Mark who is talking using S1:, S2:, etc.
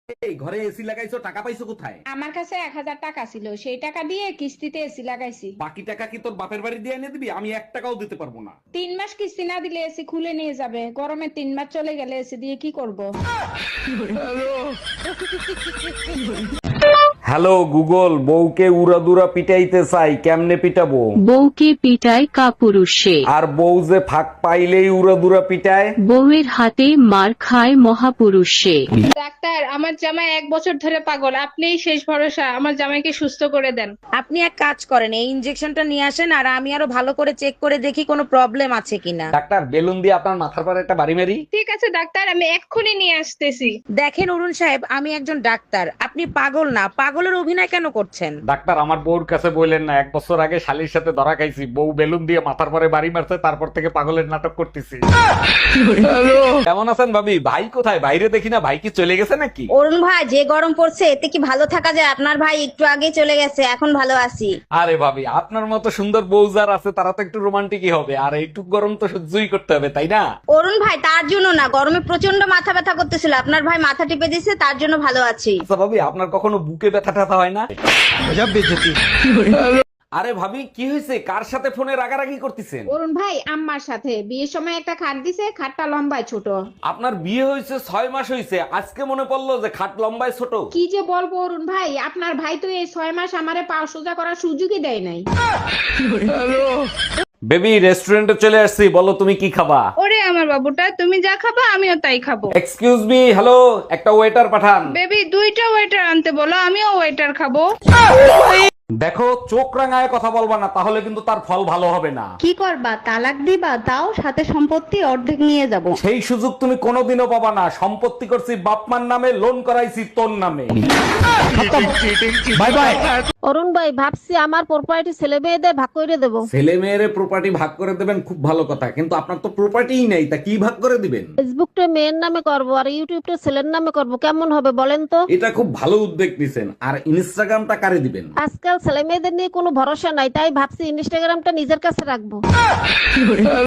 S1: এই ঘরে এসি লাগাইছো, টাকা পাইছো কোথায়?
S2: আমার কাছে 1000 টাকা ছিল, সেই টাকা দিয়ে কিস্তিতে এসি লাগাইছি।
S1: বাকি টাকা কি তোর বাপের বাড়ি দিয়ে এনে দিবি? আমি 1 টাকাও দিতে পারবো না।
S2: 3 মাস কিস্তি না দিলে এসি খুলে নিয়ে যাবে, গরমে 3 মাস চলে গেলে এসি দিয়ে কি করব?
S1: হ্যালো গুগল, বউকে উড়াদুরা পিটাইতে চাই, কেমনে পিটাবো?
S3: বউকে পিটায় কাপুরুষে,
S1: আর বউ যে ফাঁক পাইলেই উড়াদুরা পিটায়।
S3: বউয়ের হাতে মার খায় মহাপুরুষে।
S2: ডাক্তার, আমার জামাই 1 বছর ধরে পাগল, আপনিই শেষ ভরসা, আমার জামাইকে সুস্থ করে দেন।
S4: আপনি এক কাজ করেন, এই ইনজেকশনটা নিয়ে আসেন আর আমি আরো ভালো করে চেক করে দেখি কোনো প্রবলেম আছে কিনা।
S1: ডাক্তার, বেলুন দিয়ে আপনার মাথার পরে একটা বাড়ি মারি।
S2: ঠিক আছে ডাক্তার, আমি এক্ষুনি নিয়ে আসতেছি।
S4: দেখেন অরুণ সাহেব, আমি একজন ডাক্তার, আপনি পাগল না, পাগলের অভিনয় কেন করছেন?
S1: ডাক্তার, আমার বউর কাছে বললেন না, 1 বছর আগে শালির সাথে ধরা খাইছি, বউ বেলুন দিয়ে মাথার পরে বাড়ি মারছে, তারপর থেকে পাগলের নাটক করতেছি। কেমন আছেন ভাবি? ভাই কোথায়? বাইরে দেখি না, ভাই কি চলে গেছে নাকি?
S5: অরুণ ভাই, যে গরম পড়ছে এতে কি ভালো থাকা যায়? আপনার ভাই একটু আগে চলে গেছে, এখন ভালো আছি।
S1: আরে ভাবি, আপনার মতো সুন্দর বউ যার আছে তারা তো একটু রোমান্টিকই হবে, আর একটু গরম তো সহ্যই করতে হবে, তাই না?
S5: অরুণ ভাই, তার জন্য না, গরমে প্রচন্ড মাথা ব্যথা করতেছিল, আপনার ভাই মাথা টিপে দিছে, তার জন্য ভালো আছি।
S1: আচ্ছা ভাবি, আপনার কখনো বুকে ব্যথা টাথা হয় না? আরে ভাবি, কি হয়েছে? কার সাথে ফোনে রাগারাগি করতেছেন?
S2: অরুণ ভাই, আম্মার সাথে বিয়ের সময় একটা খাট দিছে, খাটটা লম্বায় ছোট।
S1: আপনার বিয়ে হয়েছে 6 মাস হয়েছে, আজকে মনে পড়লো যে খাট লম্বায় ছোট?
S2: কি যে বলবো অরুণ ভাই, আপনার ভাই তো এই 6 মাস আমারে পা সোজা করার সুযোগই দেয় নাই।
S1: বেবি, রেস্টুরেন্টে চলে আসছি, বলো তুমি কি খাবা?
S2: ওরে আমার বাবুটা, তুমি যা খাবা আমিও তাই খাবো।
S1: এক্সকিউজ মি, হ্যালো, একটা ওয়েটার পাঠান।
S2: বেবি, 2টা ওয়েটার আনতে বলো, আমিও ওয়েটার খাবো।
S1: দেখো, চোখ রাঙায় কথা বলবা না, তাহলে কিন্তু তার ফল ভালো হবে না।
S6: কি করবা? তালাক দিবা? দাও, সাথে সম্পত্তি অর্ধেক নিয়ে যাব।
S1: সেই সুযোগ তুমি কোনোদিনও পাবা না। সম্পত্তি করছি বাপমার নামে, লোন করাইছি তোর নামে। Bye bye.
S7: অরুণ ভাই, ভাবছি আমার প্রপার্টি ছেলে মেয়েদের ভাগ করে দেবো।
S1: ছেলে মেয়েরে প্রপার্টি ভাগ করে দেবেন, খুব ভালো কথা, কিন্তু আপনার তো প্রপার্টিই নেই, তা কি ভাগ করে দিবেন?
S7: ফেসবুকটা মেয়ের নামে করব আর ইউটিউবটা ছেলের নামে করব, কেমন হবে বলেন তো?
S1: এটা খুব ভালো উদ্যোগ নিছেন। আর ইনস্টাগ্রামটা কারে দিবেন?
S7: আজকাল ছেলে মেয়েদের নিয়ে কোনো ভরসা নাই, তাই ভাবছি ইনস্টাগ্রামটা নিজের কাছে রাখবো।